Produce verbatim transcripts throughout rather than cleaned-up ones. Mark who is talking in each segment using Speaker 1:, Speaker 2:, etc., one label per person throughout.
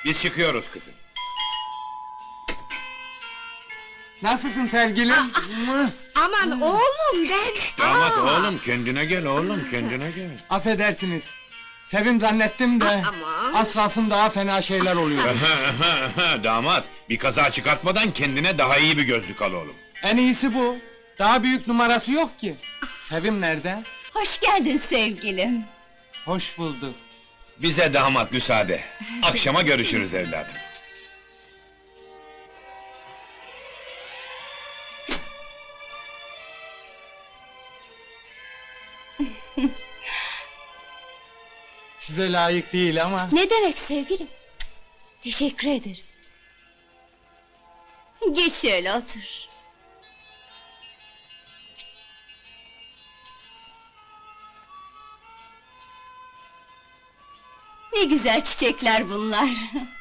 Speaker 1: Biz çıkıyoruz kızım.
Speaker 2: Nasılsın sevgilim?
Speaker 3: Aman oğlum ben...
Speaker 1: Damat
Speaker 3: Aa!
Speaker 1: oğlum, kendine gel oğlum, kendine gel.
Speaker 2: Affedersiniz. Sevim zannettim de...
Speaker 3: Aman!
Speaker 2: Az kalsın daha fena şeyler oluyor.
Speaker 1: Damat, bir kaza çıkartmadan kendine daha iyi bir gözlük al oğlum.
Speaker 2: En iyisi bu. Daha büyük numarası yok ki. Sevim nerede?
Speaker 4: Hoş geldin sevgilim.
Speaker 2: Hoş bulduk.
Speaker 1: Bize damat müsaade. Akşama görüşürüz evladım.
Speaker 2: Size layık değil ama...
Speaker 4: Ne demek sevgilim? Teşekkür ederim. Geç şöyle otur. Ne güzel çiçekler bunlar.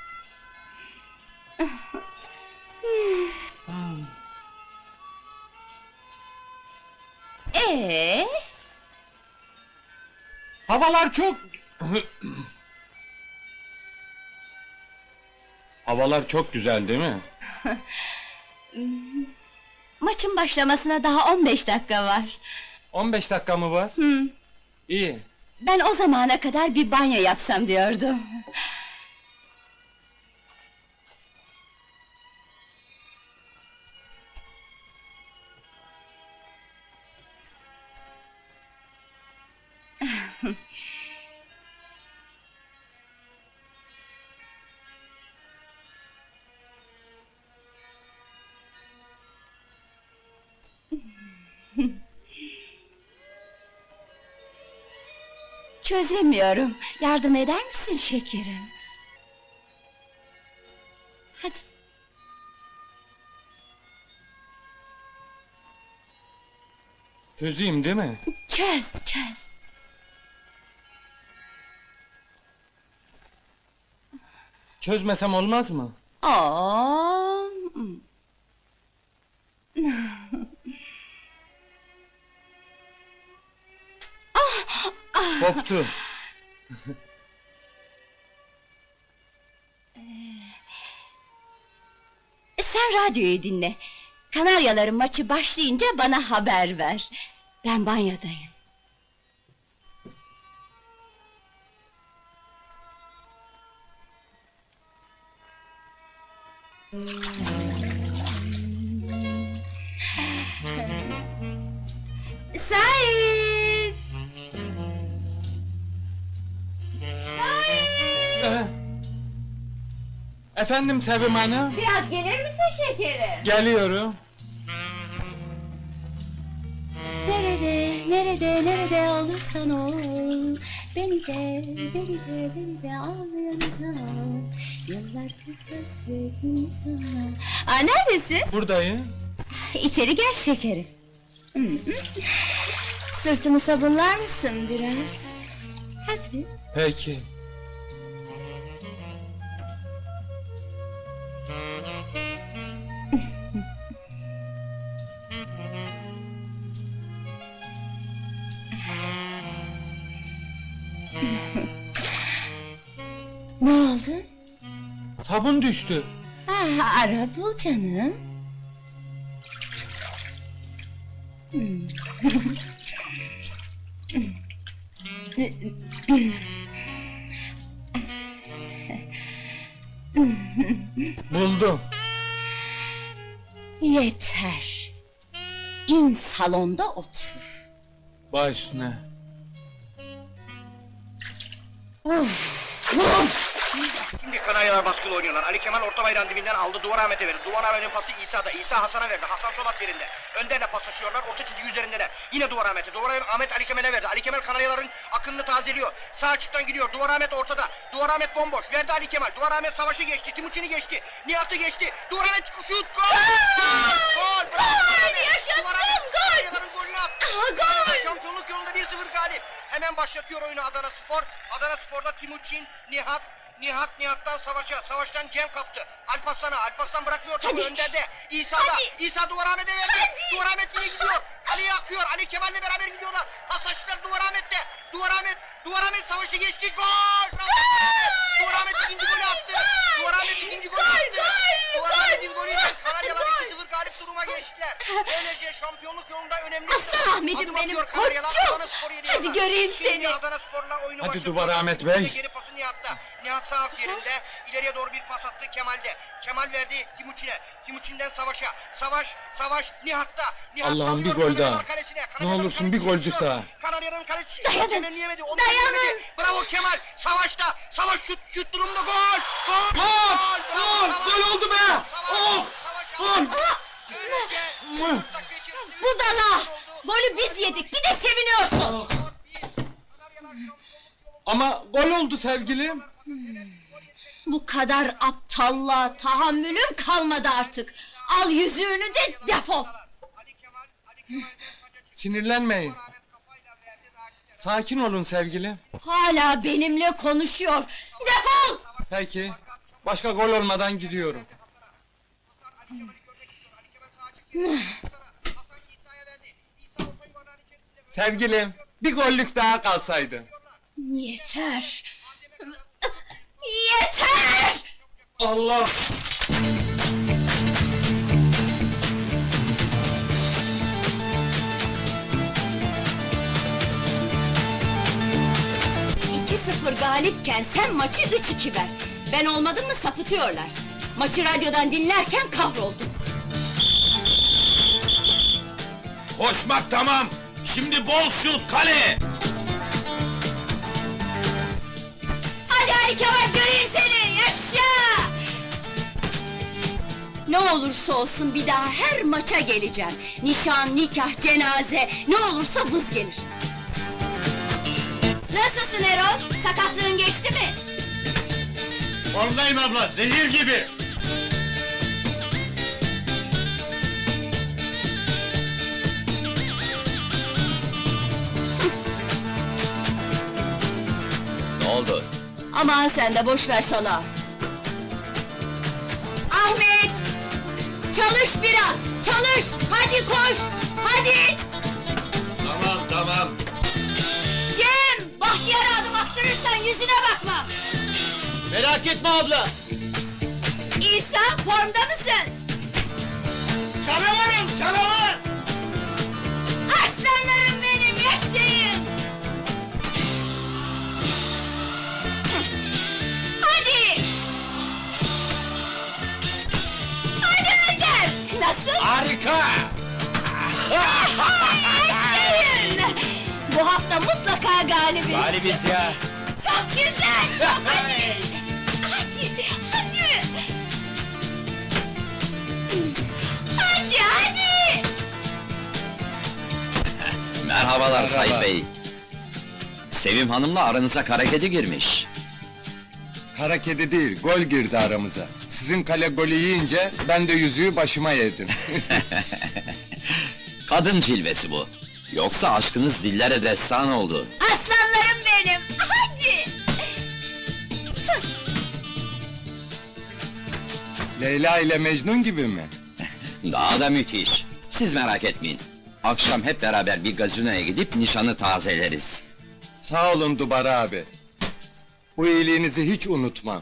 Speaker 4: Ee,
Speaker 2: Havalar çok... Havalar çok güzel değil mi?
Speaker 4: maçın başlamasına daha on beş dakika var.
Speaker 2: on beş dakika mı var?
Speaker 4: Hı.
Speaker 2: İyi.
Speaker 4: Ben o zamana kadar bir banyo yapsam diyordum. Çözemiyorum. Yardım eder misin şekerim? Hadi.
Speaker 2: Çözeyim değil mi?
Speaker 4: Çöz, çöz.
Speaker 2: Çözmesem olmaz mı?
Speaker 4: Oo.
Speaker 2: Koptu.
Speaker 4: Sen radyoyu dinle. Kanaryaların maçı başlayınca bana haber ver. Ben banyodayım. Sait!
Speaker 2: Ee, Efendim Sevim Hanım?
Speaker 4: Biraz gelir misin şekerim?
Speaker 2: Geliyorum.
Speaker 4: Nerede, nerede, nerede olursan ol, beni de, beni de, beni de al yanına. Yıllardır hasretim sana. Aa, neredesin?
Speaker 2: Buradayım.
Speaker 4: İçeri gel şekerim. Hı hı. Sırtımı sabunlar mısın biraz? Hadi.
Speaker 2: Peki.
Speaker 4: Ne oldu?
Speaker 2: Sabun düştü.
Speaker 4: Ah, ara bul canım. Hmm.
Speaker 2: Buldum.
Speaker 4: Yeter. İn salonda otur.
Speaker 2: Baş üstüne.
Speaker 5: Şimdi Kanaryalar baskılı oynuyorlar. Ali Kemal orta bayrağın dibinden aldı. Duvar Ahmet'e verdi. Duvar Ahmet'in pası İsa'da. İsa Hasan'a verdi. Hasan sol at yerinde. Önderle paslaşıyorlar. Orta çizgi üzerindeler. Yine Duvar Ahmet'e. Duvar Ahmet Ali Kemal'e verdi. Ali Kemal Kanaryaların akınını tazeliyor. Sağ açıktan gidiyor. Duvar Ahmet ortada. Duvar Ahmet bomboş. Verdi Ali Kemal. Duvar Ahmet savaşı geçti. Timuçin'i geçti. Nihat'ı geçti. Duvar Ahmet şut. Gol! Gol!
Speaker 4: Gol! Yaşasın! Gol!
Speaker 5: Kanaryaların golünü attı.
Speaker 4: Aha, gol!
Speaker 5: Şampiyonluk yolunda bir sıfır galip. Hemen başlatıyor oyunu Adana Spor. Adana Spor'da Timuçin, Nihat, Nihat Nihat'tan Savaş'a, Savaş'tan Cem kaptı. Alparslan'a, Alparslan bırakmıyor topu önderde. İsa'da,
Speaker 4: Hadi.
Speaker 5: İsa Duvar Ahmet'e verdi.
Speaker 4: Hadi.
Speaker 5: Duvar Ahmet yine gidiyor. Ali'ye akıyor. Ali Kemal'le beraber gidiyorlar. Pasajlar Duvar Ahmet'te. Duvar Ahmet, Duvar Ahmet Savaş'ı geçti. Gol!
Speaker 4: Gol!
Speaker 5: Duvar Ahmet ikinci golü attı. Duvar Ahmet ikinci golü attı. Duvar Ahmet'in golüyle Kanaryalar iki sıfır galip duruma geçtiler. Böylece şampiyonluk yolunda önemli.
Speaker 4: Aslan Ahmet'im
Speaker 5: adım
Speaker 4: benim,
Speaker 5: atıyor Kanaryalar.
Speaker 4: koçum.
Speaker 5: Adana Spor yedi
Speaker 4: Hadi
Speaker 5: yıllar.
Speaker 4: göreyim
Speaker 5: Şimdi
Speaker 4: seni.
Speaker 5: Adana Spor'la oyunu
Speaker 2: Hadi
Speaker 5: başlatıyor.
Speaker 2: Duvar Ahmet Bey.
Speaker 5: Geri pası Nihat'ta. Nihat sağ af yerinde. İleriye doğru bir pas attı Kemal'de. Kemal verdi Timuçin'e. Timuçin'den Savaş'a. Savaş, Savaş Nihat'ta. Nihat
Speaker 2: Allah'ım, bir
Speaker 5: alıyor
Speaker 2: gol
Speaker 5: Kanaryalar
Speaker 2: daha.
Speaker 5: kalesine.
Speaker 2: Ne
Speaker 5: Kanaryaların
Speaker 2: olursun bir
Speaker 5: kalesi
Speaker 2: golcük
Speaker 5: düşüyor.
Speaker 2: daha.
Speaker 5: Kanarya'nın kalesi
Speaker 4: Dayanın,
Speaker 5: Kemal'leyemedi. Onu
Speaker 4: dayanın.
Speaker 5: yemedi. Bravo Kemal. Savaş'ta. Savaş şut, şut durumda gol. Gol.
Speaker 2: Gol!
Speaker 5: Bravo,
Speaker 2: Gol!
Speaker 5: Savaş.
Speaker 2: Gol oldu be!
Speaker 5: Savaş,
Speaker 2: Of!
Speaker 5: Savaş
Speaker 2: Gol!
Speaker 5: aldı. Böylece dört dakika içerisinde üç
Speaker 4: Budala!
Speaker 5: gol oldu.
Speaker 4: Golü biz yedik, bir de seviniyorsun!
Speaker 5: Dört bir. Kanaryalar şampiyonluk yolunda.
Speaker 2: Ama gol oldu sevgilim.
Speaker 4: Bu kadar aptalla tahammülüm kalmadı artık! Al yüzüğünü de defol!
Speaker 5: Ali Kemal, Ali Kemal'den taca çıktı.
Speaker 2: Sinirlenmeyin.
Speaker 5: Ahmet kafayla verdi Raşit'e.
Speaker 2: Sakin olun sevgilim.
Speaker 4: Hala benimle konuşuyor! Defol!
Speaker 2: Peki. Başka gol olmadan gidiyorum.
Speaker 5: Hasan Ali Kemal'i görmek istiyor. Ali Kemal sağa çıktı. Hasan İsa'ya verdi. İsa orta yuvarlağın içerisinde.
Speaker 2: Sevgilim, bir gollük daha kalsaydı.
Speaker 4: Yeter! Yeter!
Speaker 2: Allah!
Speaker 4: iki sıfır galipken sen maçı üç iki ver. Ben olmadım mı sapıtıyorlar. Maçı radyodan dinlerken kahroldum.
Speaker 1: Koşmak tamam. Şimdi bol şut kale.
Speaker 4: Hadi Ali Kemal göreyim seni, yaşa! Ne olursa olsun bir daha her maça geleceğim. Nişan, nikah, cenaze, ne olursa vız gelir. Nasılsın Erol? Sakatlığın geçti mi?
Speaker 1: Formdayım abla, zehir gibi.
Speaker 6: Ne oldu?
Speaker 4: Aman sen de boş ver sala. Ahmet! Çalış biraz, çalış! Hadi koş, hadi!
Speaker 6: Tamam tamam.
Speaker 4: Cem! Bahtiyar'a adım attırırsan yüzüne bakmam!
Speaker 6: Merak etme abla.
Speaker 4: İsa, formda mısın?
Speaker 1: Canavarım, canavar!
Speaker 4: Aslanlarım benim, yaşayın! Hadi! Hadi Önder! Nasıl?
Speaker 1: Harika!
Speaker 4: Yaşayın! Bu hafta mutlaka galibiz!
Speaker 6: Galibiz ya.
Speaker 4: Çok güzel, çok hadi! Hadi, hadi! Hadi, hadi!
Speaker 6: Merhabalar Sayın Bey. Sevim Hanım'la aranıza kara kedi girmiş.
Speaker 2: Kara kedi değil, gol girdi aramıza. Sizin kale golü yiyince ben de yüzüğü başıma yedim.
Speaker 6: Kadın cilvesi bu. Yoksa aşkınız dillere destan oldu.
Speaker 4: Aslanlarım benim, hadi!
Speaker 2: Leyla ile Mecnun gibi mi?
Speaker 6: Daha da müthiş. Siz merak etmeyin. Akşam hep beraber bir gazinoya gidip nişanı tazeleriz.
Speaker 2: Sağ olun Dubar abi. Bu iyiliğinizi hiç unutmam.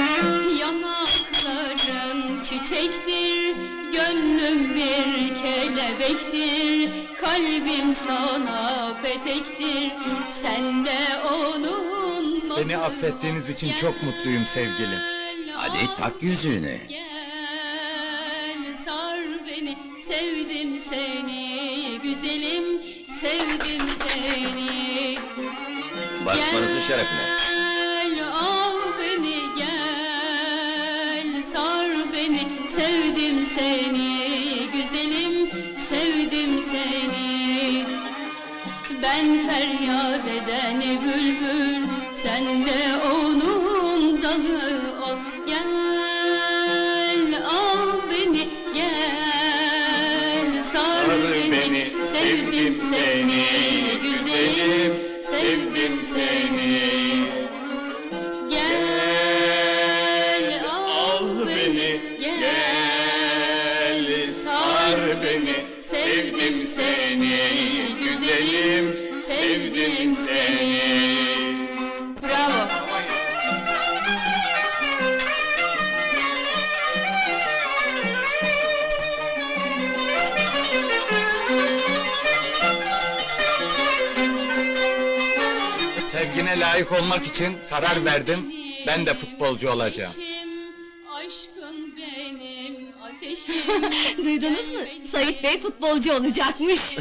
Speaker 7: Yanakların çiçektir, gönlüm bir kelebektir, kalbim sana petektir, sen de onun
Speaker 2: Beni affettiğiniz için çok mutluyum sevgilim.
Speaker 6: Hadi tak yüzüğünü.
Speaker 7: Gel sar beni, sevdim seni, güzelim, sevdim seni.
Speaker 6: Barışmanızın şerefine.
Speaker 7: Gel al beni gel sar beni sevdim seni güzelim sevdim seni. Ben feryat eden bülbül sen de onun dalı ol. Gel al beni gel sar beni sevdim seni güzelim sevdim seni. Gel al beni, gel sar beni, sevdim seni, güzelim, sevdim seni. Bravo.
Speaker 2: Sevgine layık olmak için karar verdim. Ben de futbolcu olacağım.
Speaker 7: Aşkın benim ateşim.
Speaker 4: Duydunuz mu? Sait Bey futbolcu olacakmış.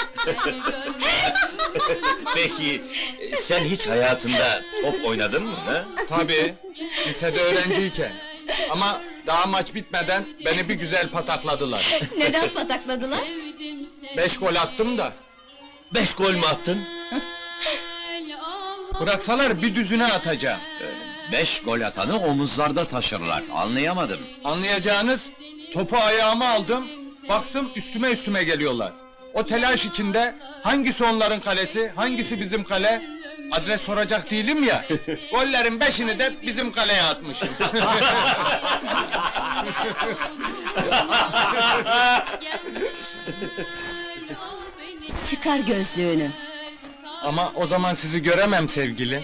Speaker 8: Peki, sen hiç hayatında top oynadın mı ha?
Speaker 2: Tabii, lisede öğrenciyken. Ama daha maç bitmeden beni bir güzel patakladılar.
Speaker 4: Neden patakladılar?
Speaker 7: Sevdim seni.
Speaker 2: Beş gol attım da.
Speaker 8: Beş gol mü attın?
Speaker 2: Bıraksalar bir düzüne atacağım.
Speaker 6: Beş gol atanı omuzlarda taşırlar. Anlayamadım.
Speaker 2: Anlayacağınız, topu ayağıma aldım, baktım üstüme üstüme geliyorlar. O telaş içinde hangisi onların kalesi, hangisi bizim kale? Adres soracak değilim ya. Gollerin beşini de bizim kaleye atmışım.
Speaker 4: Çıkar gözlüğünü.
Speaker 2: Ama o zaman sizi göremem sevgilim.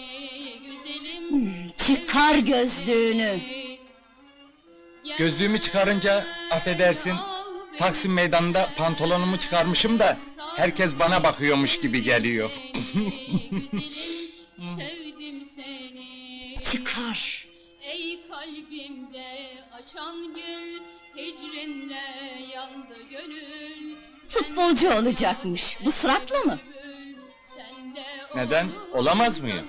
Speaker 4: Çıkar gözlüğünü.
Speaker 2: Gözlüğümü çıkarınca affedersin, Taksim meydanında pantolonumu çıkarmışım da herkes bana bakıyormuş gibi geliyor.
Speaker 7: Sevdim seni.
Speaker 4: Çıkar.
Speaker 7: Ey kalbimde açan gül, hicrinle yandı gönül.
Speaker 4: Futbolcu olacakmış. Bu suratla mı?
Speaker 7: Sende
Speaker 2: Neden? Olamaz mıyım?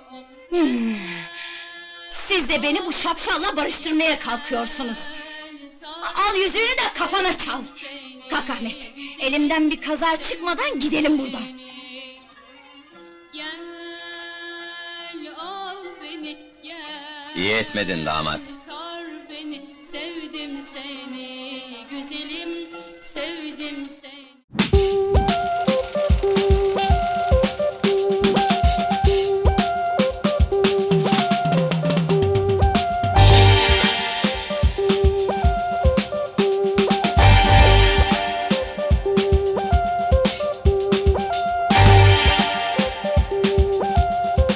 Speaker 4: Siz de beni bu şapşalla barıştırmaya kalkıyorsunuz. Al yüzüğünü de kafana çal. Kalk Ahmet. Elimden bir kaza çıkmadan gidelim buradan.
Speaker 7: Gel al beni, gel.
Speaker 6: İyi etmedin damat.
Speaker 7: Sar beni, sevdim seni.